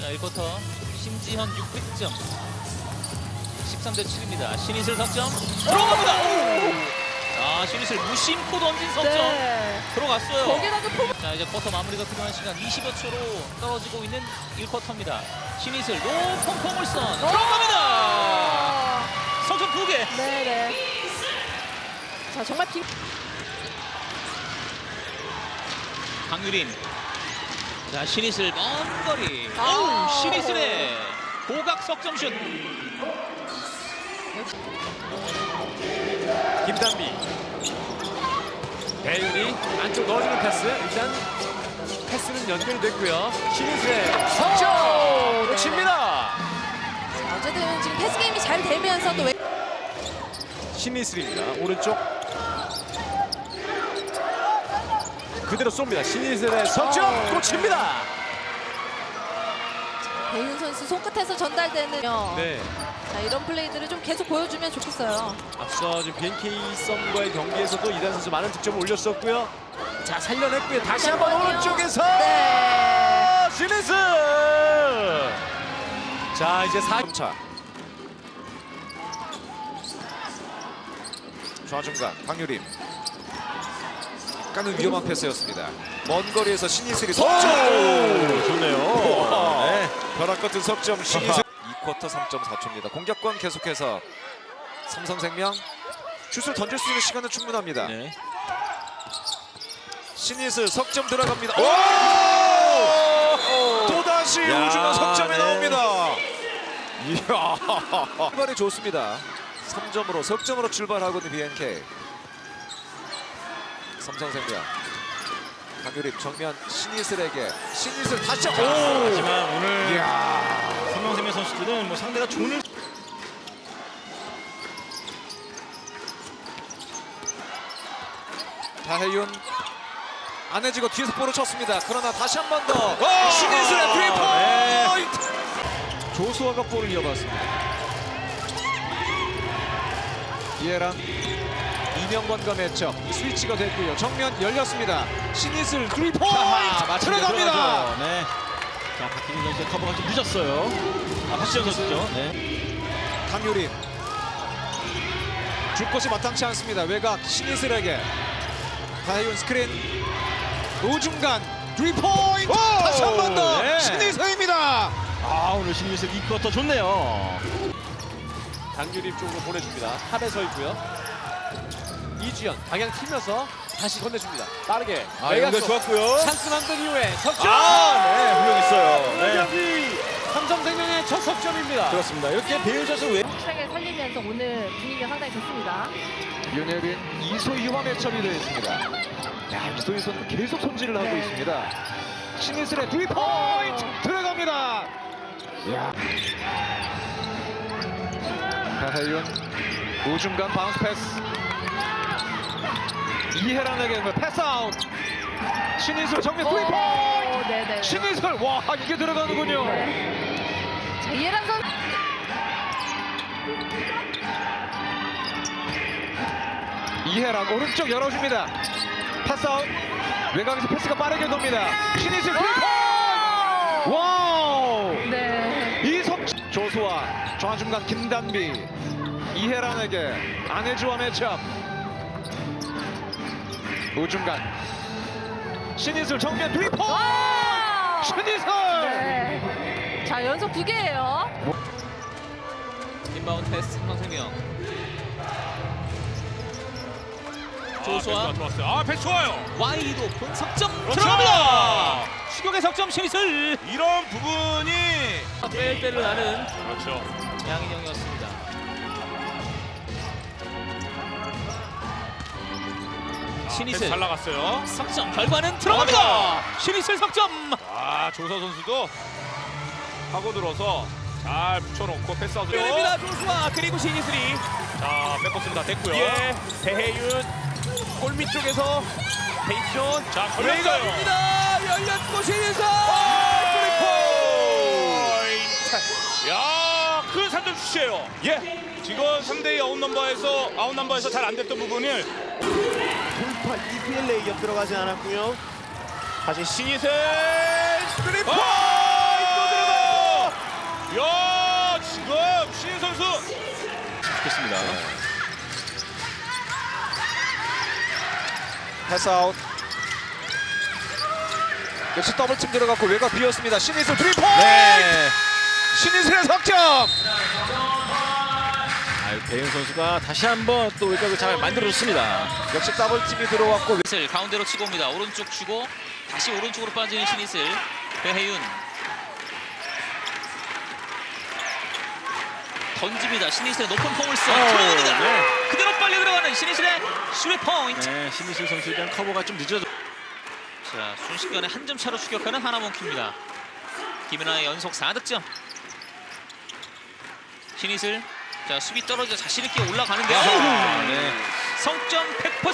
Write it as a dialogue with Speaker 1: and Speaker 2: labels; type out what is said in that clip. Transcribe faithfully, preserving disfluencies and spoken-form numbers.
Speaker 1: 자, 일 쿼터 심지현 육 득점. 십삼 대 칠입니다. 신이슬 석점 들어갑니다. 자, 신이슬 무심코 던진 석점
Speaker 2: 네.
Speaker 1: 들어갔어요.
Speaker 2: 거기다가 포...
Speaker 1: 자, 이제 쿼터 마무리가 필요한 시간 이십여 초로 떨어지고 있는 일 쿼터입니다. 신이슬 높은 포물선 들어갑니다. 석점 두 개.
Speaker 2: 네네. 자, 정말 빈...
Speaker 1: 강유림. 자, 신이슬 먼 거리.
Speaker 2: 아.
Speaker 1: 오, 신이슬의 고각 석점슛.
Speaker 3: 김단비, 배윤이 안쪽 넣어주는 패스. 일단 패스는 연결됐고요. 신이슬의 석점 놓칩니다.
Speaker 2: 어쨌든 지금 패스 게임이 잘 되면서 또 왜...
Speaker 3: 신이슬입니다. 오른쪽 그대로 쏩니다. 신이슬의 석점 놓칩니다.
Speaker 2: 배윤 선수 손끝에서 전달되는
Speaker 3: 네.
Speaker 2: 자, 이런 플레이들을 좀 계속 보여주면 좋겠어요.
Speaker 3: 앞서 지금 비엔케이 썸과의 경기에서도 이단 선수 많은 득점을 올렸었고요. 자, 살려냈고요. 다시 한번
Speaker 2: 한번요.
Speaker 3: 오른쪽에서
Speaker 2: 네.
Speaker 3: 신이슬. 자, 이제 사 점 차. 좌중간 강유림. 약간은 위험한 패스였습니다. 먼 거리에서 신이슬이 석점.
Speaker 4: 좋네요.
Speaker 3: 네. 벼락 같은 석점 신이슬. 이 쿼터 삼 점 사 초입니다. 공격권 계속해서 삼성생명 슛을 던질 수 있는 시간은 충분합니다.
Speaker 1: 네.
Speaker 3: 신이슬 석점 들어갑니다. 또다시 우중간 석점이
Speaker 4: 네.
Speaker 3: 나옵니다. 이야. 출발이 좋습니다. 삼 점으로 석점으로 출발하고 있는 비엔케이. 삼성생명 강유림 정면 신이슬에게 신이슬 다시 오!
Speaker 4: 하지만 오늘
Speaker 3: 이야.
Speaker 4: 삼성생명 선수들은 뭐 상대가 존을
Speaker 3: 다혜윤 안해지고 뒤에서 볼을 쳤습니다. 그러나 다시 한 번 더 신이슬의
Speaker 4: 네.
Speaker 3: 스리포인트. 조수아가 볼을 이어봤습니다. 이해랑 이명권과 매첩 스위치가 됐고요. 정면 열렸습니다. 신이슬 스리포인트 들어갑니다.
Speaker 4: 네. 자, 박희민 선수의 커버가 좀 늦었어요. 아, 박지현 선수죠. 네.
Speaker 3: 강유림 줄 곳이 마땅치 않습니다. 외곽 신이슬에게 다혜윤 스크린 우중간 스리포인트 다시 한 번 더
Speaker 4: 네.
Speaker 3: 신이슬입니다.
Speaker 4: 아, 오늘 신유슬 이 쿼터 좋네요.
Speaker 3: 강유림 쪽으로 보내줍니다. 탑에 서 있고요. 이주연 방향 틀면서 다시 건네줍니다. 빠르게
Speaker 4: 아,
Speaker 3: 외곽
Speaker 4: 연결
Speaker 3: 쪽.
Speaker 4: 좋았고요.
Speaker 3: 찬스 만든 이후에 석점.
Speaker 4: 아, 네, 훌륭했어요. 네.
Speaker 3: 여기 삼성생명의 첫 석점입니다.
Speaker 4: 그렇습니다. 이렇게 배윤 선수 왜
Speaker 2: 확실하게 살리면서 오늘 분위기가 상당히 좋습니다.
Speaker 3: 윤혜린 이소희와 매첩이 되어 있습니다. 야, 이소희 선수 계속 손질을 하고
Speaker 2: 네.
Speaker 3: 있습니다. 신이슬의 스리포인트 들어갑니다. 야. 다혜윤 우중간 바운스 패스. 이혜란에게 패스 아웃. 신이슬 정면 스리포인트.
Speaker 2: 오, 네네.
Speaker 3: 신이슬 와 이게 들어가는군요.
Speaker 2: 자, 이해란 선수.
Speaker 3: 이혜란 오른쪽 열어줍니다. 패스 아웃. 외곽에서 패스가 빠르게 돕니다. 신이슬 스리포인트. 와우.
Speaker 2: 네.
Speaker 3: 이석 조수아 좌중간 김단비 이혜란에게 안혜주와 매첩. 우중간 신이슬 정면 스리포인트. 신이슬.
Speaker 2: 네. 자, 연속 두 개예요.
Speaker 1: 인바운드 패스 삼성생명. 조수아
Speaker 4: 아, 좋았어요. 아, 패스 좋아요.
Speaker 1: 와이드 오픈 석점
Speaker 4: 그렇죠.
Speaker 1: 들어갑니다. 추격의 석점 신이슬.
Speaker 4: 이런 부분이
Speaker 1: 뺄뺄을 나는
Speaker 4: 그렇죠.
Speaker 1: 양인영이었습니다. 신이슬
Speaker 4: 잘 나갔어요.
Speaker 1: 석점 결과는 들어갑니다. 신이슬 석점.
Speaker 4: 아, 조서 선수도 하고 들어서 잘 붙여놓고 패스아웃.
Speaker 1: 됩니다. 조수아 그리고 신이슬이
Speaker 4: 자, 뺏었습니다. 됐고요.
Speaker 1: 예 대혜윤 골밑 쪽에서 페이션
Speaker 4: 자, 걸렸어요.
Speaker 1: 외곽입니다. 열렸고 신이슬
Speaker 4: 포인트. 야, 큰 삼 점 슛이에요. 예. 지금 삼 대 이 아웃 넘버에서 아웃 넘버에서 잘 안 됐던 부분을
Speaker 5: 돌파 이피엘 레이업 들어가지 않았고요. 다시 신이슬 스리퍼
Speaker 4: 아!
Speaker 5: 또 들어가요.
Speaker 4: 야, 지금 신인 선수
Speaker 1: 좋겠습니다.
Speaker 3: 패스아웃. 역시 더블팀 들어갔고 외곽 비었습니다. 신이슬 스리 포인트.
Speaker 1: 네.
Speaker 3: 신이슬의 석점.
Speaker 1: 아유, 배윤 선수가 다시 한번 또 외곽을 잘 만들어줬습니다.
Speaker 3: 역시 더블팀이 들어왔고
Speaker 1: 신이슬 가운데로 치고 옵니다. 오른쪽 주고 다시 오른쪽으로 빠지는 신이슬. 배혜윤 던집니다. 신이슬의 높은 폼을 써 들어갑니다.
Speaker 3: 네.
Speaker 1: 그대로 빨리 들어가는 신이슬의 슈리 포인트.
Speaker 6: 네, 신이슬 선수에 대한 커버가 좀 늦어져.
Speaker 1: 자, 순식간에 한 점 차로 추격하는 하나몬키입니다. 김연아의 연속 사 득점. 신이슬 자 수비 떨어져 자신 있게 올라가는데요.
Speaker 6: 네.
Speaker 1: 성점 백 퍼센트.